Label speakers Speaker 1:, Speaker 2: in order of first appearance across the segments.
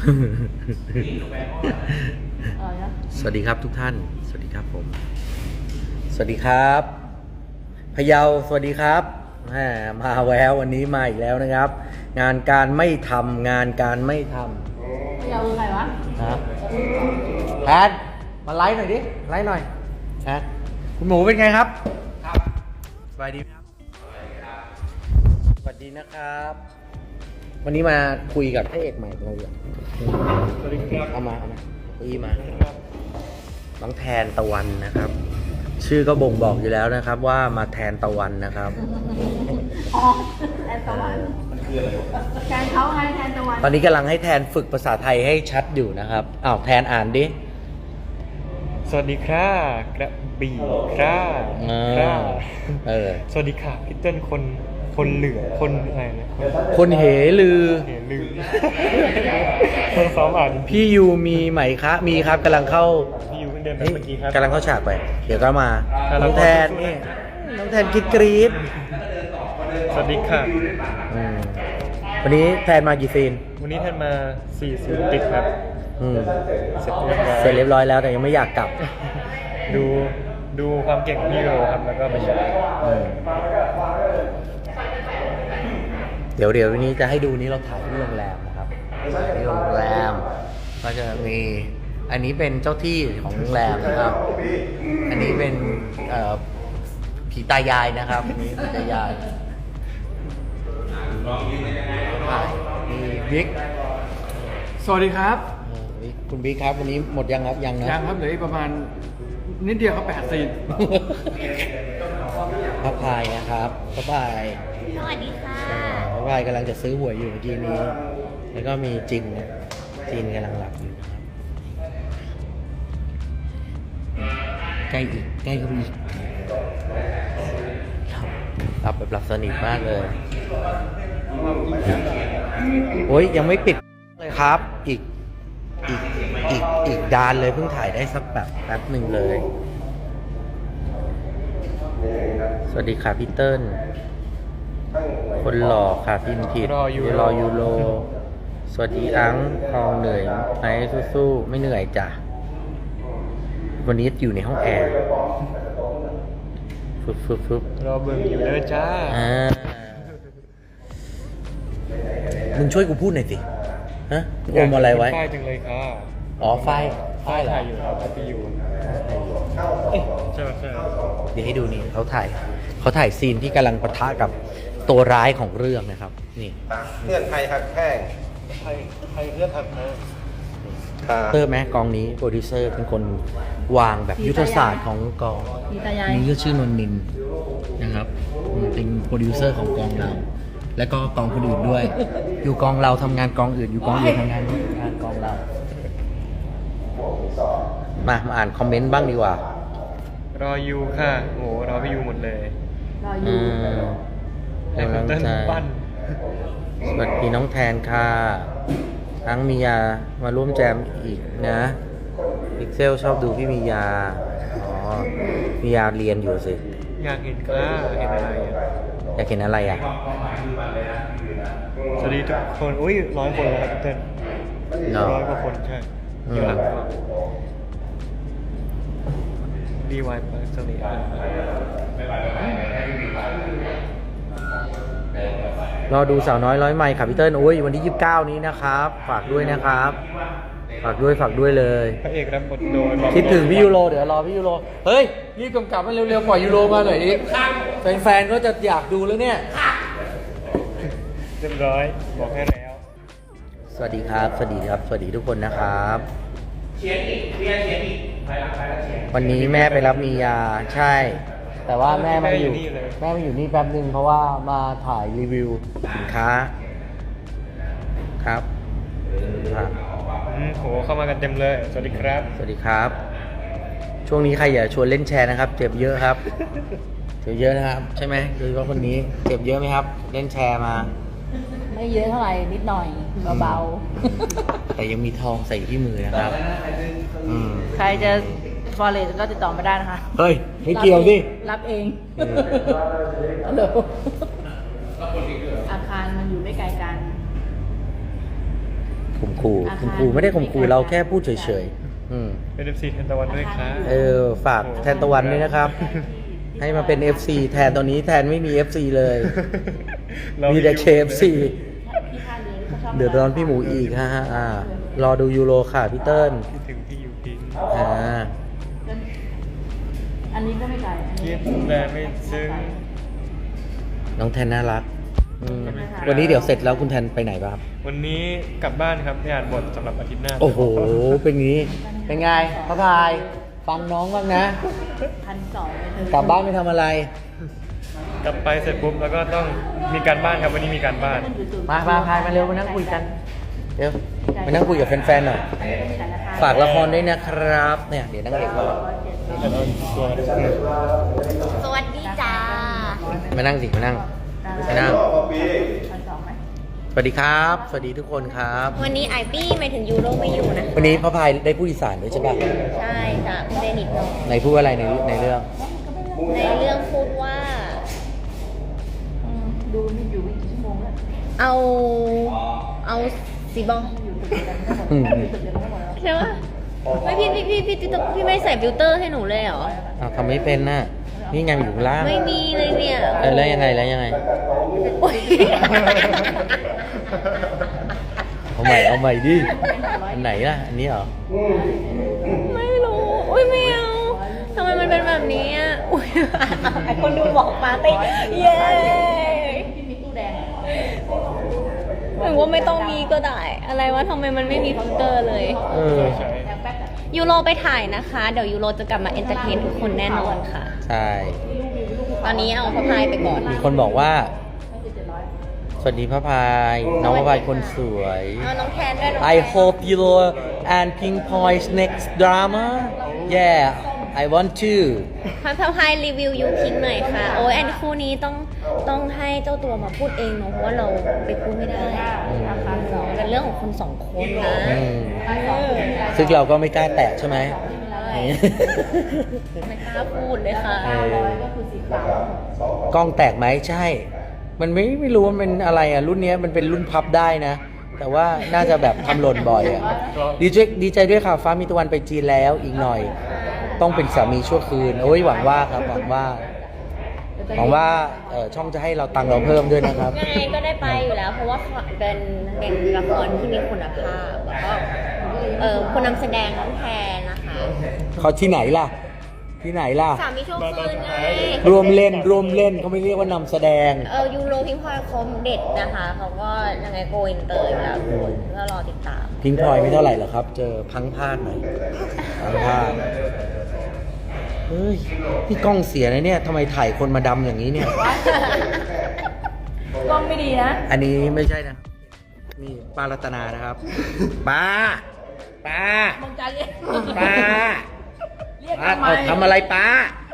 Speaker 1: สวัสดีครับทุกท่านสวัสดีครับผมสวัสดีครับพะเยาสวัสดีครับมาแวววันนี้มาอีกแล้วนะครับงานการไม่ทำงานการไม่ทำ
Speaker 2: พะเยาคือใครวะ
Speaker 1: ครับแพทมาไลฟ์หน่อยดิไลฟ์หน่อยแพทคุณหมูเป็นไงครับครับสบายดีไหมครับสวัสดีนะครับวันนี้มาคุยกับพระเอกใหม่ของเราอยู่
Speaker 3: สวัสดีครับ
Speaker 1: เอามาคุยมาน้องแทนตะวันนะครับชื่อก็บ่งบอกอยู่แล้วนะครับว่ามาแทนตะวันนะครับ
Speaker 2: อ๋อแทนตะวันแทนเขาไงแทนตะวัน
Speaker 1: ตอนนี้กำลังให้แทนฝึกภาษาไทยให้ชัดอยู่นะครับอ้าวแทนอ่านดิ
Speaker 3: สวัสดีครับกระบี่ครับสวัสดีค่ะพี่เติ้ลคนเหลือคนอะไรนะ
Speaker 1: คนเหลือ
Speaker 3: คนซ้อมอ่าน
Speaker 1: พี่ยูมีไหมคะมีครับกำลังเข้า
Speaker 3: พี่ยูเพิ่งเดินไปเมื่อกี้ครับ
Speaker 1: กำลังเข้าฉากไปเดี๋ยวก็มาน้องแทนนี่น้องแทนกรี๊ด
Speaker 3: สวัสดีค่ะ
Speaker 1: วันนี้แทนมากี่ซีน
Speaker 3: วันนี้แทนมา4 ซีนติดครับ
Speaker 1: เสร็จเรียบร้อยแล้วแต่ยังไม่อยากกลับ
Speaker 3: ดูความเก่งของพี่โรครับแล้วก็มาชม
Speaker 1: เดี๋ยววันนี้จะให้ดูนี้เราถ่ายที่โรงแรมนะครับที่โรงแรมก็จะมีอันนี้เป็นเจ้าที่ของโรงแรมนะครับอันนี้เป็นผีตายายนะครับนี่ผีตายายมีบิ๊ก
Speaker 4: สวัสดีครับ
Speaker 1: คุณบิ๊กครับวันนี้หมดยังครับยังนะ
Speaker 4: ยังครับเหลืออีกประมาณนิดเดียวครับ8 ซีน
Speaker 1: พระพายนะครับพระพาย
Speaker 2: สวัสดีค่ะ
Speaker 1: พระพายกำลังจะซื้อหวยอยู่เมื่อกี้นี้แล้วก็มีจินกำลังหลับอยู่นะครับใกล้ก็มีหลับแบบหลับสนิทมากเลยโอ้ยยังไม่ปิดเลยครับอีกดานเลยเพิ่งถ่ายได้สักแบบแป๊บหนึ่งเลยสวัสดีค่ะพี่เติ้ลคนหล่อค่ะพิมพ์ผิดรอยูโรสวัสดีอังทองเหนื่อยไหมสู้ๆไม่เหนื่อยจ้ะวันนี้อยู่ในห้องแอร์ฟึบ
Speaker 3: รอเบิ่งอยู่เด้อจ้า
Speaker 1: มึงช่วยกูพูดหน่อยสิฮะอมอะไรไว้
Speaker 3: ป้ายจังเลยค่ะ
Speaker 1: อ๋อไฟ
Speaker 3: ถ่ายอยู่ครับไปอยู่ใช่ไหม
Speaker 1: เดี๋ยวให้ดูนี่เขาถ่ายซีนที่กำลังปะทะกับตัวร้ายของเรื่องนะครับนี่
Speaker 5: เพื่อนไทยหักแข้ง
Speaker 3: ไทยเพื่อนหักแข้ง
Speaker 1: เตอร์แม้กองนี้โปรดิวเซอร์เป็นคนวางแบบยุทธศาสตร์ของกองนี่ก็ชื่อนนนินนะครับเป็นโปรดิวเซอร์ของกองเราและก็กองคนอื่นด้วยอยู่กองเราทำงานกองอื่นอยู่กองอื่นทำงานกองเรามาอ่านคอมเมนต์บ้างดีกว่าร
Speaker 3: อยูค่ะโอ้รอพี่ยูหมดเลย
Speaker 2: รอยู
Speaker 3: ให้เต้นปั้น
Speaker 1: สวัสดีน้องแทนค่ะทั้งมียามาร่วมแจมอีกนะพิกเซลชอบดูพี่มียามียาเรียนอยู่สิ
Speaker 3: อยากเห็นค่ะเห็นอะไร
Speaker 1: อยากเห็นอะไร
Speaker 3: สวัสดีทุกคนอุ้ย100 คนแล้วครับเต้น100 กว่าคนใช่อยู่หลังก็ดีวายเปิดสวัสดี
Speaker 1: รอดูสาวน้อยร้อยไมค์ค่ะพี่เติ้ลโอ้ยวันที่29นี้นะครับฝากด้วยนะครับฝากด้วยเลย
Speaker 3: พระเอกรับบทโดย
Speaker 1: คิดถึงพี่ยูโรเดี๋ยวรอพี่ยูโรเฮ้ยรีบกำกับมันเร็วๆปล่อยยูโรมาหน่อยดิแฟนๆก็จะอยากดูแล้วเนี่ย
Speaker 3: เรียบร้อยบอกให้แล้ว
Speaker 1: สวัสดีครับสวัสดีทุกคนนะครับวันนี้แม่ไปรับมียาใช่แต่ว่าแม่มาอยู่นี่แป๊บนึงเพราะว่ามาถ่ายรีวิวสินค้าครับ
Speaker 3: โหเข้ามากันเต็มเลยสวัสดี
Speaker 1: ครับช่วงนี้ใครอย่าชวนเล่นแชร์นะครับเจ็บเยอะครับเจ็บเยอะนะครับใช่ไหมโดยเฉพาะคนนี้เจ็บเยอะไหมครับเล่นแชร์มา
Speaker 2: ไม่เยอะเท่าไหร่นิดหน่อยเบา
Speaker 1: ๆแต่ยังมีทองใส่ที่มือนะครับ
Speaker 2: ใครจะฟอเรสก็ติดต่อมาได้นะคะ
Speaker 1: เฮ้ยไม่เกี่ยวดิ
Speaker 2: รับเองฮัลโหลอาคารมันอยู่ไม่ไกลกัน
Speaker 1: ข่มขู่ข่มขู่ไม่ได้ข่มขู่เราแค่พูดเฉยๆ
Speaker 3: เป็น FC แทนตะวันด้วยครับ
Speaker 1: ฝากแทนตะวันด้วยนะครับ ให้มาเป็น FC แทนตอนนี้แทนไม่มี FC เลย มีแต่ KFC
Speaker 2: พี่ท่าเรือเขาชอบ
Speaker 1: เดือดร้อนพี่หมูอีกฮะรอดูยูโรค่ะพี่เติ้ล
Speaker 3: คิดถึงพี่ยูพิง
Speaker 2: อันนี้ก็ไม่ไกลอัน
Speaker 3: คิ
Speaker 2: นี้
Speaker 3: ดแต่ไม่ซึ้ง
Speaker 1: น้องแทนน่ารักวันนี้เดี๋ยวเสร็จแล้วคุณแทนไปไหนบ้างครับ
Speaker 3: วันนี้กลับบ้านครับไปอ่านบทสำหรับอาทิตย์หน้า
Speaker 1: โอ้โห เป็นงี้ เป็นไงพระพาย ฟังน้องบ้างนะ
Speaker 2: 1,200เลย
Speaker 1: กลับบ้านไปทำอะไร
Speaker 3: กลับไปเสร็จปุ๊บแล้วก็ต้องมีการบ้านครับวันนี้มีการบ้าน
Speaker 1: มาพายมาเร็วมานั่งคุยกัน เดี๋ยวมานั่งคุยกับแฟนๆหน่อย ฝากละครด้วยนะครับ เนี่ย เดี๋ยวนั่งเอกมา
Speaker 6: สวัสดีจ้า
Speaker 1: มานั่งสิ มานั่ง มานั่ง
Speaker 2: 1,200ไหม
Speaker 1: สวัสดีครับ สวัสดีทุกคนครับ
Speaker 6: วันนี้ไอปี้หมายถึงยูโรไม่อยู่นะ
Speaker 1: วันนี้พระพายได้พูดอีสานด้วยใช่ป่ะ
Speaker 6: ใช่จ้ะไม่ได้นิดหน่อย
Speaker 1: ในพูดอะไรในเรื่อง
Speaker 6: ในเรื่องพูดว่า
Speaker 2: ดูนี่อยู่ไม่กี่ชั่วโมงแล้ว
Speaker 6: เอาสีบอง
Speaker 2: อยู่ตึกเดียวกันอยู่ตึกเดียวกันหมดแล้ว
Speaker 6: ใช่ปะไม่พี่ไม่ใส่ฟิลเตอร์ให้หนูเลยเหรอ
Speaker 1: ทำไม่เป็นน่ะ นี่ไงมันอยู่ข้างล่าง
Speaker 6: ไม่มีเลยเนี่ย
Speaker 1: แล้วยังไง
Speaker 6: โอ๊ย
Speaker 1: เอาใหม่ดิ อันไหนล่ะ อันนี้เหรอ
Speaker 6: ไม่รู้อุ้ยไม่เอาทำไมมันเป็นแบบนี้อ่ะอุ้ยไอคนดูบอกมาเต้เย้
Speaker 2: พี่มีตู้แดง
Speaker 6: หรือว่าไม่ต้องมีก็ได้ อะไรวะทำไมมันไม่มีฟิลเตอร์เลย
Speaker 2: แดงแป๊บอะ
Speaker 6: ยูโรไปถ่ายนะคะ เดี๋ยวยูโรจะกลับมาเอนเตอร์เทนทุกคนแน่นอนค่ะ
Speaker 1: ใช่
Speaker 6: ตอนนี้เอาพระพายไปก่อน
Speaker 1: มีคนบอกว่า สวัสดีพระพาย น้องพระพายคนสวย
Speaker 6: เอาน้องแทนด้วยน้อง
Speaker 1: I hope you and Pink Point's next drama yeah I want to
Speaker 6: พระพายรีวิวยูพิงหน่อยค่ะ โอ้ยอันคู่นี้ต้องให้เจ้าตัวมาพูดเองเนอะเพราะว่าเราไปพูดไม่ได้เป็นเรื่องของคนสองคนนะ
Speaker 1: อืมซึ่งเราก็ไม่กล้าแตะใช่ไหม
Speaker 6: ไม่กล้าพูดเลยค่ะ
Speaker 2: ก็คือสีขาว
Speaker 1: กล้องแตกไหมใช่ มันไม่รู้ว่ามันเป็นอะไรอ่ะ รุ่นเนี้ยมันเป็นรุ่นพับได้นะ แต่ว่าน่าจะแบบทำหล่นบ่อยอ่ะ ดีใจด้วยค่ะฟ้ามีตะวันไปจีนแล้วอีกหน่อย ต้องเป็นสามีชั่วคืน โอ้ยหวังว่าครับ หวังว่าช่องจะให้เราตังค์เราเพิ่มด้วยนะครับ
Speaker 6: ยังไงก็ได้ไปอยู่แล้ว เพราะว่าเป็นละครที่มีคุณภาพแล้วก็คนนำแสดงน้องแทนนะคะ
Speaker 1: เขาที่ไหนล่ะ
Speaker 6: สามีโชคคืนไง
Speaker 1: ร่วมเล่นเขาไม่เรียกว่านำแสดง
Speaker 6: ยูโรพิงพลอยคมเด็ดนะคะเขาก็ยังไงโกอินเตอร์อยู่แล้วทุกคนก็รอติดตาม
Speaker 1: พิงพลอยไม่เท่าไหร่หรอกครับ เจอพังพลาดหน่อยพังพลาดเฮ้ยพี่กล้องเสียนะเนี่ยทำไมถ่ายคนมาดำอย่างนี้เนี่ย
Speaker 2: กล้องไม่ดีนะ
Speaker 1: อันนี้ไม่ใช่นะนี่ป้ารัตนานะครับป้า
Speaker 2: มึงจะเรียก
Speaker 1: ป้า
Speaker 2: เรียก
Speaker 1: ป้า
Speaker 2: ทำไม
Speaker 1: ทำอะไรป้า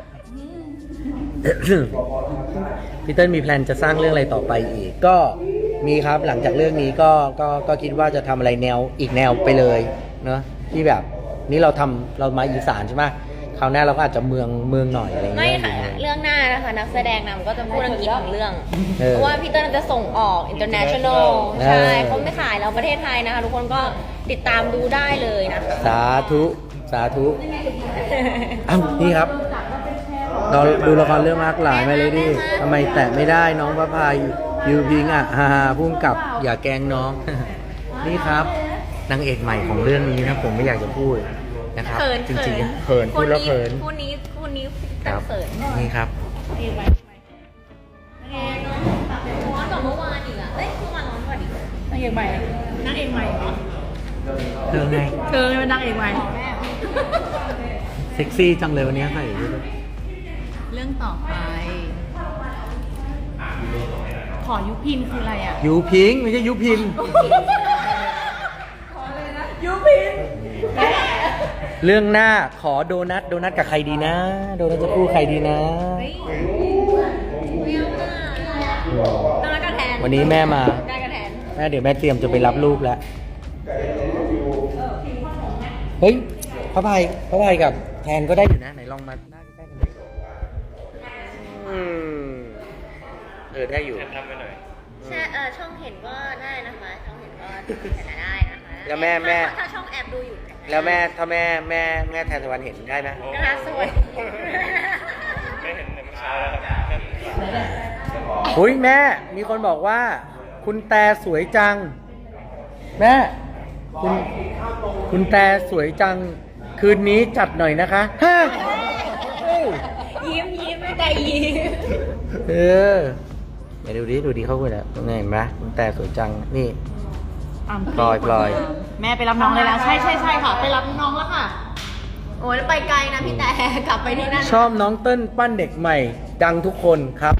Speaker 1: พี่เติ้ลมีแพลนจะสร้างเรื่องอะไรต่อไปอีก ก็มีครับหลังจากเรื่องนี้ก็คิดว่าจะทำอะไรอีกแนวไปเลยเนอะที่แบบนี่เรามาอีสานใช่ไหมคราวหน้าเราก็อาจจะเมืองหน่อยอะไรอย่าง
Speaker 6: ไม่
Speaker 1: เงี้ย
Speaker 6: ค่ะเรื่องหน้านะคะนักแสดงนำก็จะพูดอังกฤษทั้งเรื่อง
Speaker 1: เออ
Speaker 6: เพราะว่าพี่เติ้ลจะส่งออก international
Speaker 1: เออ
Speaker 6: ใช่เขาไม่ขายเราประเทศไทยนะคะ ทุกคนก็ติดตามดูได้เลยนะคะ
Speaker 1: สาธุอ้าวนี่ครับ เราดูละครเรื่องมากหลายมาเลยดิทำไมแตะไม่ได้น้องพระพายยูพิงอ่ะฮ่าพุ่งกับอย่าแกล้งน้อง นี่ครับนางเอกใหม่ของเรื่องนี้นะผมไม่อยากจะพูดนะครับ
Speaker 6: เขิน
Speaker 1: จริงๆเขินพูดแล้วเขิน
Speaker 6: คู่นี้
Speaker 1: ค
Speaker 6: ตั้
Speaker 1: รั
Speaker 6: ง
Speaker 1: บ
Speaker 6: เขิน
Speaker 1: นี่ครับ
Speaker 6: ร้อนกว่าเมื่อวานอีกอ่ะเอ้ยเมื่อวานร้อนกว่าอีก
Speaker 2: นางเอกใหม่นางเอกใหม่เหรอ
Speaker 1: เรื่องไง
Speaker 2: เธอเป็นนางเอกใหม่
Speaker 1: เซ็กซี่จังเลยวันนี้ใส่ด้วย
Speaker 2: เรื่องต่อไป ขอยุพินคืออะไรอ่ะ
Speaker 1: ยูพิงไม่ใช่ยูพิน
Speaker 2: ยุพิน
Speaker 1: เรื่องหน้าขอโดนัทกับใครดีนะ โดนัทจะคู่ใครดีนะ
Speaker 6: ตอนนั้นก็แทน
Speaker 1: วันนี้แม่มา
Speaker 6: ได้ก็แทน
Speaker 1: แม่เดี๋ยวแม่เตรียมจะไปรับลูกแล้ว เฮ้ยพระพายกับแทนก็ได้อยู่นะ ไหนลองมาหน้าใกล้ๆกันดิได้อยู่
Speaker 3: แทนทำไปหน่อย
Speaker 6: ใช่ช่องเห็นก็ได้นะคะ ช่องเห็นก็ได้นะคะ
Speaker 1: แล้วแม่
Speaker 6: ถ้าช่องแอบดูอยู่
Speaker 1: แล้วถ้าแม่แทนตะวันเห็นได้ไหม
Speaker 6: นะคะสวย
Speaker 3: ไม่เห็นในเมื่อเช้าแล้วครับ
Speaker 1: อุ้ยแม่มีคนบอกว่า คุณแต่สวยจัง แม่คุณแต่สวยจัง คืนนี้จัดหน่อยนะคะฮะ
Speaker 6: ยิ้มไม่ได้ยิ้ม
Speaker 1: เออเดี๋ยวดูดิเขาคุยแล้วเห็นไหมคุณแต่สวยจังนี่พลอย
Speaker 2: แม่ไปรับน้องเลยแล้ว ใช่ค่ะ ไปรับน้องแล้วค่ะ
Speaker 6: โอ้ยไปไกลนะพี่แต่กลับไปที่นั่น
Speaker 1: ชอบน้องเติ้ลปั้นเด็กใหม่ ดังทุกคนครับ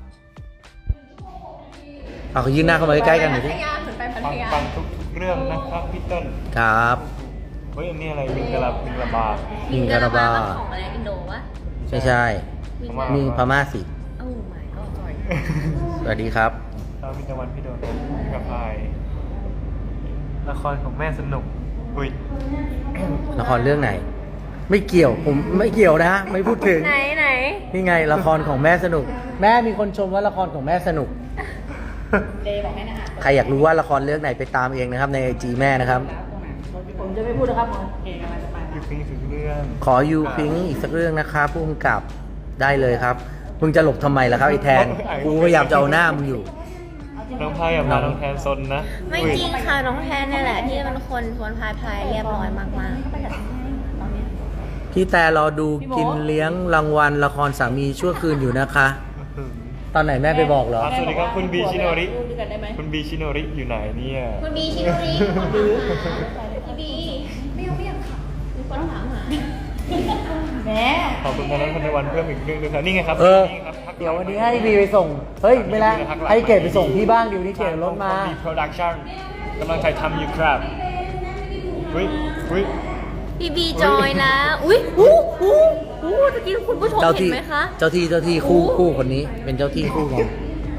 Speaker 1: เอาเขายืนหน้าเข้ามาใกล้ๆกันหน่อยสิ
Speaker 6: พัทยาเหมือนไปพัทยา
Speaker 3: ฟังทุกเรื่องนะครับพี่เต้น
Speaker 1: ครับ
Speaker 3: เฮ้ยอันนี้อะไรมิงกะลาบา
Speaker 1: มิงกะลาบา
Speaker 6: ของอะไรอินโดวะ
Speaker 1: ใช่มีพม่าสิ
Speaker 6: โอ้ my god sorry
Speaker 1: สวัสดีครับ
Speaker 3: ครับพี่ตะวันพี่โดนพี่กระพายละครของแม่สนุกอุ้ย
Speaker 1: ละครเรื่องไหน ไม่เกี่ยวผมไม่เกี่ยวนะไม่พูดถึง
Speaker 6: ไหน
Speaker 1: นี่ไงละครของแม่สนุก แม่มีคนชมว่าละครของแม่สนุก
Speaker 2: เดย์บอกให้นะอ่าน
Speaker 1: ใครอยากรู้ว่าละครเรื่องไหนไปตามเองนะครับใน IG แม่นะครับ
Speaker 2: ผมจะไม่พูดนะครับผมโอเคกำลังจะไป
Speaker 3: ยูพิงถึงเรื่อง
Speaker 1: ขอยูพิงอีกสักเรื่องนะคะผู้กำกับได้เลยครับมึงจะหลบทำไมล่ะครับไอ้แทนกูพยายามจะเอาหน้ามึงอยู่
Speaker 3: น้องพายกับพาน้องแทนซนนะ
Speaker 6: ไม่จริงค่ะน้องแทนเนี่ยแหละที่เป็นคนชวนพายเรียบร้อยมาก
Speaker 1: พี่แต่รอดูกินเลี้ยงรางวัลละครสามีชั่วคืนอยู่นะคะ ตอนไหนแม่ไปบอกเหรอ
Speaker 3: สวัสดีครับคุณบีชิโนริ
Speaker 2: ดูกันได้ไหม
Speaker 3: คุณบีชิโนริอยู่ไหนเนี่ย
Speaker 6: ๆคุณบีชิโนริคุณบีไม่อยากขับมีคนถามหา
Speaker 2: แม่
Speaker 3: ขอบคุณทางนั้นพันธวันเพิ่มอีกเรื่องนึงครับนี่ไงครับ นี่ครับพักหลัง
Speaker 1: เดี๋ยววันนี้ให้บีไปส่งเฮ้ยไม่ละให้เกดไปส่งพี่บ้างเดี๋ยวนี้เกดรถมา
Speaker 3: บีโปรดักชั่นกำลังถ่ายทำอยู่ครับอุ้ย
Speaker 6: พี่บีจอยแล้วอุ้ยตะกี้คุณผู้ชม
Speaker 1: เจ้า
Speaker 6: เห็
Speaker 1: ที่
Speaker 6: นไหมคะ
Speaker 1: เจ้าที่คู่คนนี้เป็นเจ้าที่คู่กัน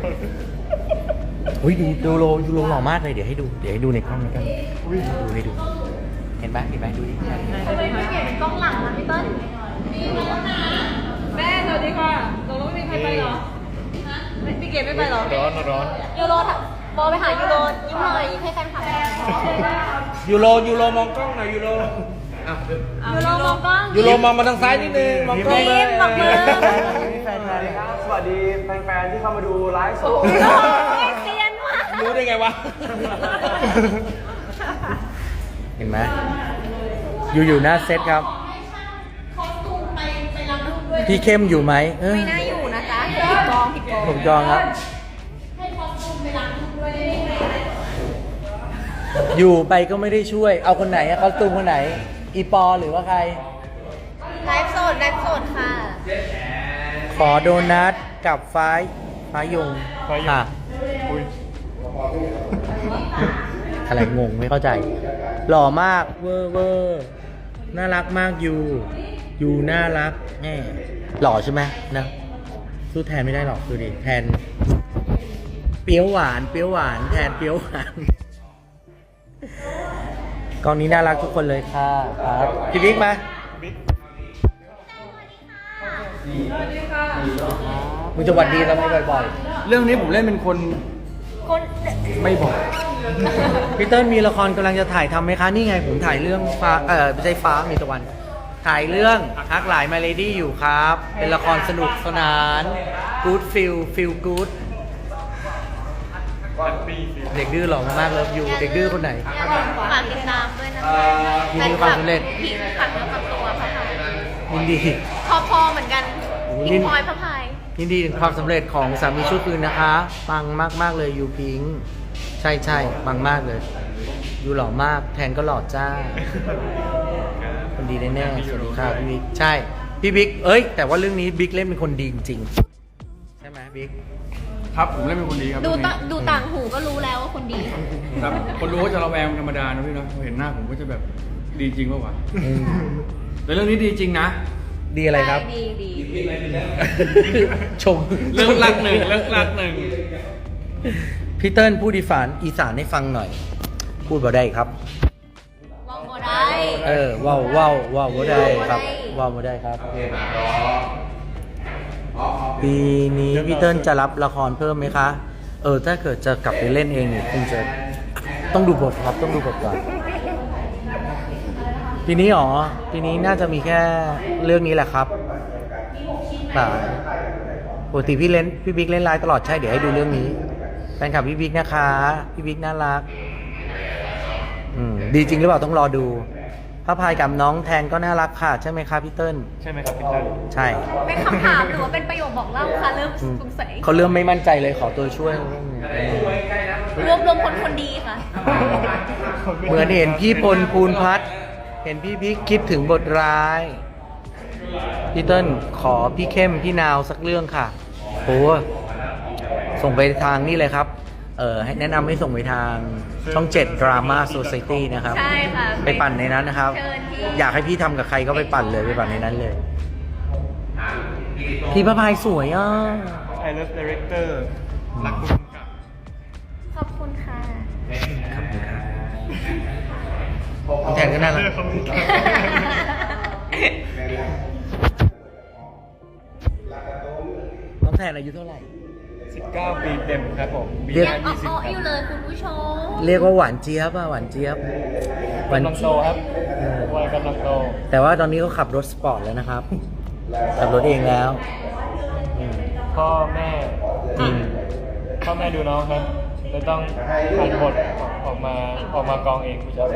Speaker 1: อุ้ยดูโลหล่อมากเลยเดี๋ยวให้ดูในกล้องกันดูให้ดูเห็นไหมดูดิ
Speaker 6: ทำไมไม่เปลี่ยนเป็นกล้องหลังนะพี่เติ้ล
Speaker 2: แม่สวัสดีค่ะตกลงไม่มีใครไปเหรอพี่เกดไม่ไปเหรอ
Speaker 3: ร้อน
Speaker 6: ยูโรบอลไปหายูโรยิ้มหน่อยยิ้มให้แฟนคลับ
Speaker 1: ยูโรมองกล้องหน่อยยูโร
Speaker 6: ยูโรมองกล้อง
Speaker 1: ยูโรมองมาทางซ้ายนิดนึงมองกล้องเลย
Speaker 6: ยิ้มบอกมือ
Speaker 1: แฟน
Speaker 5: สวัสดีแฟนๆที่เข้ามาดูไลฟ์สด
Speaker 6: เซียนมาก
Speaker 1: รู้ได้ไงวะ เห็นไหมอยู่หน้าเซตครับ พี่เข้มอยู่ไหมเออ
Speaker 6: ไม่น่าอยู่นะจ๊ะผิดกอง
Speaker 1: ผมจองครับ อยู่ไปก็ไม่ได้ช่วย เอาคนไหนอะคอสตูมคนไหน อีปอหรือว่าใคร
Speaker 6: ไลฟ์สดค่ะ
Speaker 1: ขอโดนัทกับฟ้ายงค่ะ
Speaker 3: อุ้ย
Speaker 1: อะไรงงไม่เข้าใจ หล่อมากเวอร์น่ารักมากอยู่น่ารักแน่หล่อใช่ไหมนะสู้แทนไม่ได้หรอกดูดิแทนเปรี้ยวหวานแทนเปรี้ยวหวานกองนี้น่ารักทุกคนเลยค่ะครับพี่บิ๊กมามึงจะหวัดดีทำไมบ่อย
Speaker 4: เรื่องนี้ผมเล่นเป็นคน
Speaker 6: คน
Speaker 4: ไม่บอก
Speaker 1: ๆพี่เติ้ลมีละครกำลังจะถ่ายทำไหมคะนี่ไงผมถ่ายเรื่องฟ้าไม่ใช่ฟ้ามีตะวัน ถ่ายเรื่องฮักหลายมาเลดี้อยู่ครับ เป็นละครสนุกสนาน good feel good เด็กดื้อหล่อมากเลยอยู่เด็กดื้อคนไหน
Speaker 6: ฝากติดตามด้วยนะคะ
Speaker 1: ยินดีความสำเร็จ
Speaker 6: พิงฝากเนื้อฝากตัวพระพาย
Speaker 1: ยินดี
Speaker 6: พอเหมือนกัน
Speaker 1: โอ้โห
Speaker 6: พิงพลอยพระพาย
Speaker 1: ยินดีถึงความสำเร็จของสามีชั่วคืนนะคะปังมากๆเลยยูพิงค์ใช่ปังมากเลยยูหล่อมากแทนก็หล่อจ้าคนดีแน่ๆสวัสดีค่ะพี่บิ๊กใช่พี่บิ๊กแต่ว่าเรื่องนี้บิ๊กเล่นเป็นคนดีจริงๆใช่ไหมบิ๊ก
Speaker 4: ครับผมเล่นเป็นคนดีครับ
Speaker 6: ดู
Speaker 4: เรื่องนี้
Speaker 6: ดูต่างหูก็รู้แล้วว่าคนดี
Speaker 4: ครับคนรู้ว่าจะระแวงธรรมดานะพี่เนาะพอเห็นหน้าผมก็จะแบบดีจริงป่าวะ
Speaker 1: อืม
Speaker 4: แต่เรื่องนี้ดีจริงนะ
Speaker 1: ดีอะไรครับ
Speaker 6: ดี
Speaker 1: ชม
Speaker 4: เรื่องรักหนึ่ง
Speaker 1: พี่เติ้ลพูดอีสานให้ฟังหน่อย พูดบ่ได้ครับ
Speaker 6: ว่าวบ่ได้
Speaker 1: ว้าวบ่ได้ครับว้าวบ่ได้ครับปีนี้พี่เติ้ลจะรับละครเพิ่มไหมคะถ้าเกิดจะกลับไปเล่นเองเนี่ยคงจะต้องดูบทครับต้องดูบทก่อนปีนี้หรอปีนี้น่าจะมีแค่เรื่องนี้แหละครับแต่ปกติพี่บิ๊กเล่นไลน์ตลอดใช่เดี๋ยวให้ดูเรื่องนี้แฟนคลับพี่บิ๊กนะคะพี่บิ๊กน่ารักดีจริงหรือเปล่าต้องรอดูพระพายกับน้องแทนก็น่ารักค่ะใช่ไหมครับพี่เติ้ล
Speaker 3: ใช่ไหมครับพี่เติ้ล
Speaker 1: ใช่
Speaker 2: เป็นคำถามหรือว่าเป็นประโยคบอกเล่าคะเริ่มสงสัย
Speaker 1: เขาเริ่มไม่มั่นใจเลยขอตัวช่วย
Speaker 2: รวมคนดีค่ะ
Speaker 1: เหมือนเห็นพี่พลภูนพัฒน์เห็นพี่บิ๊กคิดถึงบทร้ายพี่เติ้ลขอพี่เข้มพี่นาวสักเรื่องค่ะโอ้ส่งไปทางนี่เลยครับให้แนะนำให้ส่งไปทางช่อง 7 Drama Society นะครับ
Speaker 2: ใช่ค่ะ
Speaker 1: ไปปั่นในนั้นนะครับ
Speaker 2: เชิญพี่
Speaker 1: อยากให้พี่ทำกับใครก็ไปปั่นเลยไปปั่นในนั้นเลย พี่พระพายสวยอ่ะ
Speaker 3: I love director รักคุณกับ
Speaker 2: ขอบคุณค่ะ
Speaker 1: น้องแทนก็น่ารักน้องแทนอายุเท่าไหร่
Speaker 3: 19 ปีเต็มครับผมปี
Speaker 1: เรียก
Speaker 3: หน้า
Speaker 2: ยัง
Speaker 3: 20
Speaker 2: อ้อ
Speaker 3: ค
Speaker 2: ๆอยู่
Speaker 3: รับ
Speaker 2: เลยคุณผู้ชม
Speaker 1: เรียกว่าหวานเจี๊ยบอ่ะหวานเจี๊ยบหวาน
Speaker 3: กำลังโตครับวัยกำลังโต
Speaker 1: แต่ว่าตอนนี้เขาขับรถสปอร์ตแล้วนะครับ ขับรถเองแล้ว
Speaker 3: พ่อแม่
Speaker 1: จริง
Speaker 3: พ่อแม่ดูน้องครับเลยต้องอ่านบทออกมากองเองผู้ชาย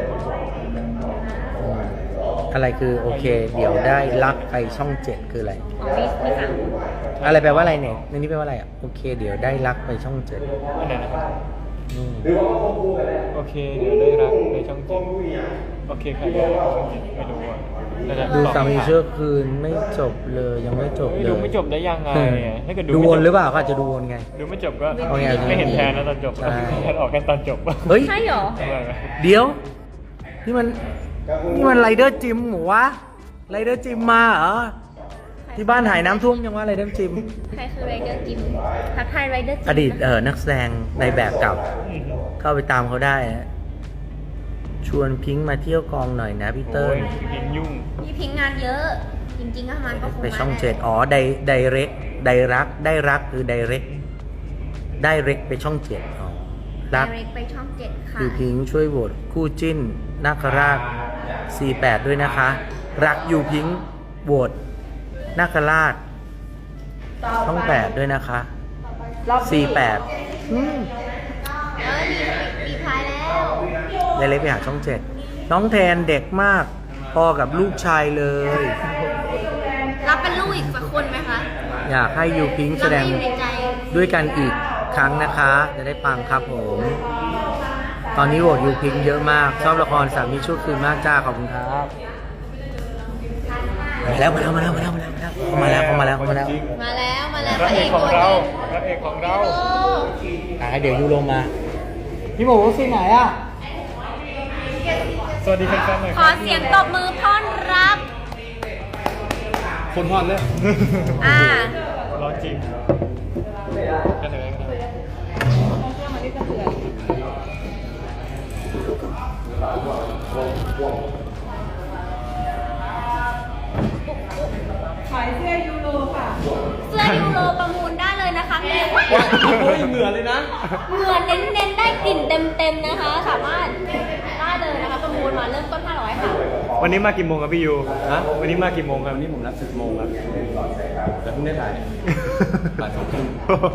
Speaker 1: อะไรคือโอเค เดี๋ยวได้รักไปช่อง 7 คืออะไร
Speaker 2: อ๋อมีสาม
Speaker 1: อะไรแปลว่าอะไรเนี่ยในนี้แปลว่าอะไรอ่ะโอเค เดี๋ยวได้รักไปช่อง 7
Speaker 3: อันไหนนะครับ
Speaker 1: อืม
Speaker 3: โอเคเดี๋ยวได้รักในช่องเจ็ดโอเคใครได้รักช่องเจ็ดไม่รู้อ่ะน่าจะ
Speaker 1: ดู
Speaker 3: ตอบ
Speaker 1: สามี
Speaker 3: ไทัน
Speaker 1: เชื่อคืนไม่จบเลยยังไม่จบเลย
Speaker 3: ดูไม่จบได้ยังไงอะถ้าเกิด
Speaker 1: ดู
Speaker 3: ไม่
Speaker 1: ว
Speaker 3: จ
Speaker 1: น
Speaker 3: บ
Speaker 1: หรือเปล่าก็อาจจะดูวนไง
Speaker 3: ดูไม่จบก็
Speaker 1: เอาไง
Speaker 3: ไม่เห็นแทนนะตอนจบ
Speaker 1: ใช่
Speaker 3: แทนออกแค่ตอนจบ
Speaker 1: เฮ้ย
Speaker 2: ใช่เหรอ
Speaker 1: เดี๋ยว นี่มันไรเดอร์จิมหมูวะไรเดอร์จิมมาเหรอ ที่บ้านหายน้ำท่วมยังว่าไรเดอร์จิม
Speaker 2: ใครคือไรเดอร์จิมทักทายไรเดอร์จิม
Speaker 1: อดีตนักแสดงในแบบเก่า เข้าไปตามเขาได้นะชวนพิงค์มาเที่ยวกองหน่อยนะพี่เติ้
Speaker 3: โอ้
Speaker 1: ล
Speaker 3: ยพิงยุ่ง
Speaker 2: พี่พิงค์งานเยอะ จริงๆก็มันก็คง
Speaker 1: ไปช่อง
Speaker 2: มา
Speaker 1: 7อ๋อไดเรกได้รักคือไดเรกไปช่อง 7อ๋อรัก
Speaker 2: ไดเรกไปช่อง 7 ค่ะ
Speaker 1: ยูพิงค์ช่วยโหวตคู่จิ้นนาคราช 48 ด้วยนะคะ รักยูพิงค์โหวตนาคราชช่อง 8 ด้วยนะคะ 48
Speaker 2: มีพายแล้ว
Speaker 1: ไดเรกไปหาช่อง 7 น้องแทนเด็กมาก พอกับลูกชายเลย
Speaker 2: รับเป็นลูกอีกสักคนไหมคะ
Speaker 1: อยากให้ยูพิงค์แสดง
Speaker 2: เราไม่อยู่ในใจ
Speaker 1: ด้วยกันอีกครั้งนะคะ จะได้ปังครับผม ตอนนี้โหวตยูพิงค์เยอะมาก ชอบละครสามีชั่วคืนมากจ้า ขอบคุณครับมาแล้วเข้ามาแล้ว
Speaker 3: จริง
Speaker 2: มาแล้ว
Speaker 3: พ
Speaker 2: พ
Speaker 3: ระ
Speaker 2: ระ
Speaker 3: เอ
Speaker 2: เอก ก
Speaker 3: ของเรา
Speaker 2: ตัวจริง
Speaker 3: พระเอกของเรา
Speaker 1: เดี๋ยวยูลงมา พี่หมูซีไหนอ่ะ
Speaker 3: สวัสดีแฟนๆหน่อย
Speaker 2: ขอเสียงตบมือต้อนรับ
Speaker 4: คนฮอนเลย
Speaker 3: ร้อนจริงกันเลยกันเลย
Speaker 2: เสื้อยูโรประมูลได้เลยนะคะมี
Speaker 4: เฮ้ยเหงื่อเลยนะ
Speaker 2: เหงื่อเน้นๆได้กลิ่นเต็มๆนะคะ สามารถได้เลยนะคะประมูลมาเริ่มต้น500ค่ะ
Speaker 3: วันนี้มากี่โมงครับพี่ยู
Speaker 4: ฮะ
Speaker 3: วันนี้มากี่โมงครับ
Speaker 4: วันนี้ผมรับ10 โมงครับ แต่เพิ่งได้ถ่ายบ่าย2 ครึ่ง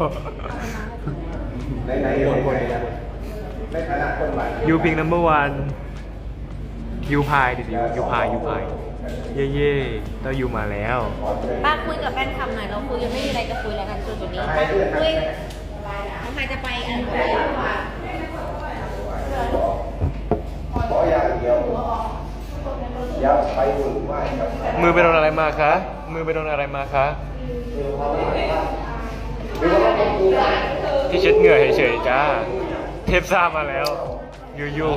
Speaker 3: ยูพิงนัมเบอร์วันยูพายดิยูพายเย่ๆเรายูมาแล้ว
Speaker 2: ป้าคุยกับแฟนคลับหน่อยเราคุยยังไม่มีอะไรจะคุยแล้วกันจนจุดนี้ป้าคุยน้องใครจะไปอ่าน
Speaker 3: มือไปโดนอะไรมาคะ มือไปโดนอะไรมาคะ ที่เช็ดเหงื่อเฉยๆจ้า เทปซ่ามาแล้ว ยู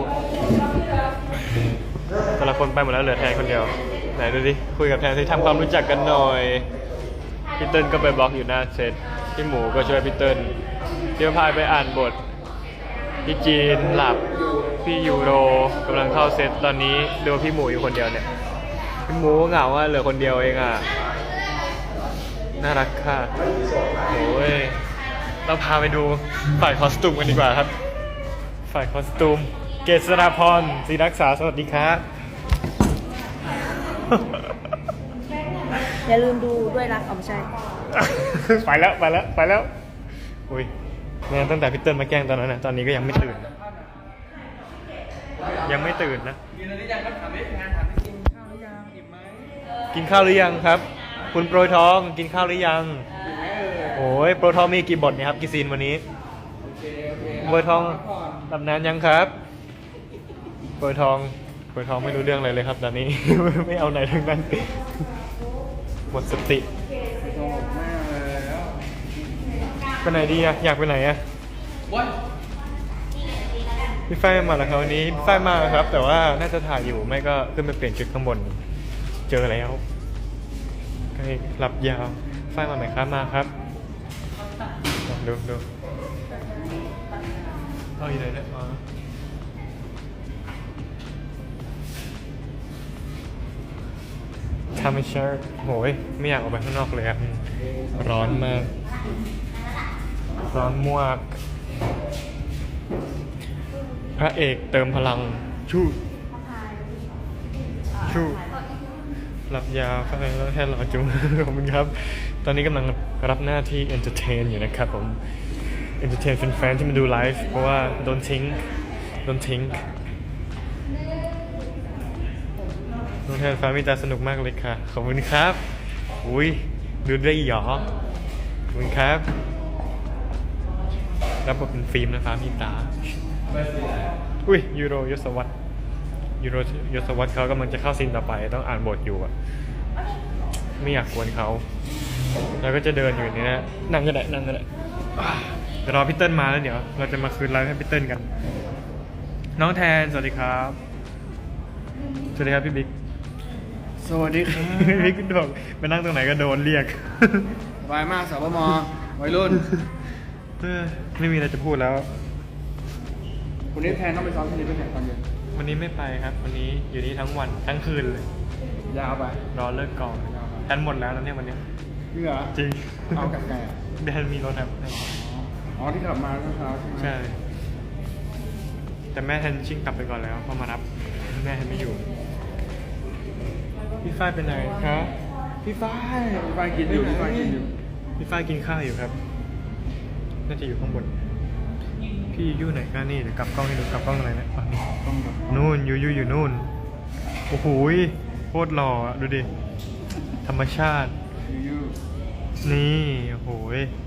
Speaker 3: แต่ละคนไปหมดแล้วเหลือแทนคนเดียว ไหนดูดิ คุยกับแทนสิทำความรู้จักกันหน่อย พี่เติ้ลก็ไปบล็อกอยู่หน้าเซตพี่หมูก็ช่วยพี่เติ้ลพี่พายไปอ่านบท พี่จีนหลับ พี่ยูโรกำลังเข้าเซตตอนนี้ดูพี่หมูอยู่คนเดียวเนี่ย พี่หมูเหงาเหลือคนเดียวเองอ่ะ น่ารักค่ะโอ้ยเราพาไปดูฝ่ายคอสตูมกันดีกว่าครับ ฝ่ายคอสตูม เกษราพรศรีรักษาสวัสดีครับ
Speaker 2: อย่าลืมดูด้วยรักอ๋อไม่ใช่
Speaker 3: ไปแล้วอุ้ยเนี่ยตั้งแต่พี่เติ้ลมาแกล้งตอนนั้นนะตอนนี้ก็ยังไม่ตื่น ยังไม่ตื่นนะ
Speaker 4: กินอะไรยังครับถามได้งานถามได้กินข้าวหรือยังอิ่มไหม
Speaker 3: กินข้าวหรือยังครับ คุณโปรยทองกินข้าวหรือยัง โอ้ยโปรยทองมีกี่บทเนี่ยครับกี่ซีนวันนี้
Speaker 4: โอเค
Speaker 3: โปรยทองตำนานยังครับโปรยทองไม่รู้เรื่องอะไรเลยครับตอนนี้ ไม่เอาไหนทั้งนั้น หมดสติ
Speaker 4: โอ้แม่เลยแล้ว
Speaker 3: ไปไหนดีอะอยากไปไหนอะ
Speaker 4: ว้าย
Speaker 3: พี่ฝ้ายมาแล้วครับวันนี้พี่ฝ้ายมาครับ แต่ว่าน่าจะถ่ายอยู่ไม่ก็ขึ้นไปเปลี่ยนชุดข้างบนเจอแล้วใกล้หลับยาวฝ้ายมาไหมครับมาครับดูเอาอยู่ไหนเนี่ยมาทำไม่เชื่อโหยไม่อยากออกไปข้างนอกเลยอะร้อนมากร้อนมากพระเอกเติมพลังชูหลับยาวฟังแล้วแค่รอจุง ขอบคุณครับ ตอนนี้กำลังรับหน้าที่ entertain อยู่นะครับผม entertain แฟนๆที่มาดูไลฟ์เพราะว่าโดนทิ้งน้องแทนฟ้ามีตาสนุกมากเลยค่ะ ขอบคุณครับ อุ้ยดูได้หยอขอบคุณครับรับบทเป็นฟิล์มนะฟ้ามีตา อุ้ยยูโรยศวรรษเขากำลังจะเข้าซีนต่อไปต้องอ่านบทอยู่อะไม่อยากกวนเขาแล้วก็จะเดินอยู่นี่นะนั่งก็ได้เดี๋ยวรอพี่เติ้ลมาแล้วเดี๋ยวเราจะมาคืนไลฟ์ให้พี่เติ้ลกัน น้องแทนสวัสดีครับพี่บิ๊ก
Speaker 4: สวัสดีครับ
Speaker 3: พี่บิ๊กบอกไปนั่งตรงไหนก็โดนเรียก
Speaker 4: สบายมากสาวมวัยรุ่น
Speaker 3: ไม่มีอะไรจะพูดแล้ว
Speaker 4: วันนี้แพนต้องไปซ้อมที่นี่ไปแข่งตอนเย็น
Speaker 3: วันนี้ไม่ไปครับ วันนี้อยู่นี่ทั้งวันทั้งคืนเลย
Speaker 4: ยาวไป
Speaker 3: รอเลิกกองแทนหมดแล้วนะเนี่ยวันนี้
Speaker 4: จริงเหรอ
Speaker 3: จริง
Speaker 4: เอากลับไงอ่ะ
Speaker 3: แทนมีรถครับ
Speaker 4: อ๋อที่กลับมาเมื่อเช้าใช่ไหม
Speaker 3: ใช่ แต่แม่แทนชิ่งกลับไปก่อนแล้วเพอมารับแม่แทนไม่อยู่ พี่ฝ้ายเป็นไหนครับ
Speaker 4: พี่ฝ้ายกินอยู่พี่ฝ้ายกินอยู่
Speaker 3: พี่ฝ้ายกินข้าวอยู่ครับ น่าจะอยู่ข้างบน พี่อยู่ไหนกันนี่เดี๋ยวกลับกล้องให้ดูกลับกล้องอะไรนะอ๋อนี่
Speaker 4: ต้องแบบ
Speaker 3: นู่นอยู่นู่น โอ้โหยโคตรหล่ออะดูดิ ธรรมชาติ
Speaker 4: ยู
Speaker 3: นี่ โอ้โหย